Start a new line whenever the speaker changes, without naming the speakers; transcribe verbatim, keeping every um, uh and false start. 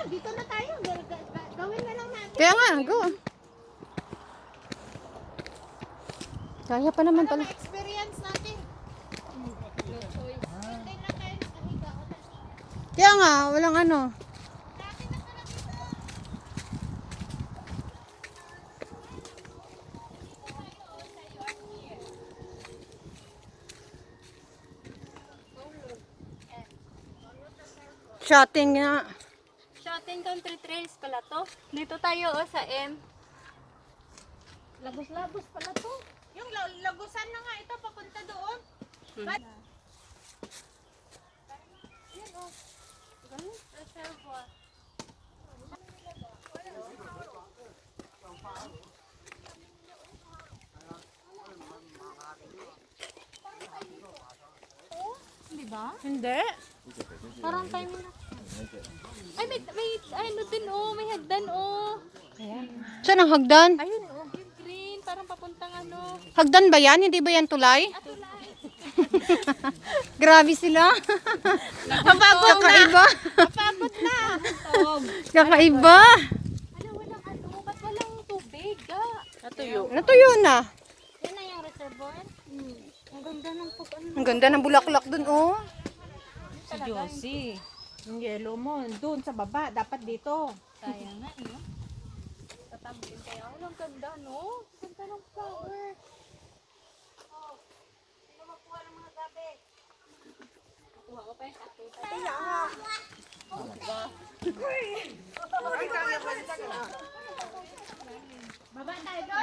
dito na tayo. Gawin na lang natin.
Kaya nga, go. Kaya pa naman pala.
Para ma-experience natin. No choice. Hintay lang tayo nakahiga.
Kaya nga, walang ano.
Dati na pala dito.
Shotting nga.
Shotting Country Trails pala to. Dito tayo oh, sa M.
Lagos-lagos pala to. Yung la- lagusan na nga ito, papunta doon. But, yan o. Ganun, reservoir.
Di ba?
Hindi.
Parang time na. Ay, may, may, ano din oh, may hagdan oh.
Saan ang hagdan?
Ayun oh, yung green, parang papuntang ano.
Hagdan ba yan? Hindi ba yan tulay?
Atulay.
Grabe sila. Kakaiba.
Napagod na.
Kakaiba.
Ano, walang ano, ba't walang tubig ah? Natuyo.
Natuyo na.
Yan na yung reservoir? Hmm. Ang ganda ng pag ano.
Ang ganda ng bulaklak dun, oh.
Si Josie. Yung yellow mo, doon sa baba. Dapat dito.
Sayang nga, no? Tatambilin kaya. Walang ganda, no? Ganda ng flower. Kuha ko pa yung kakita.
Baba tayo doon.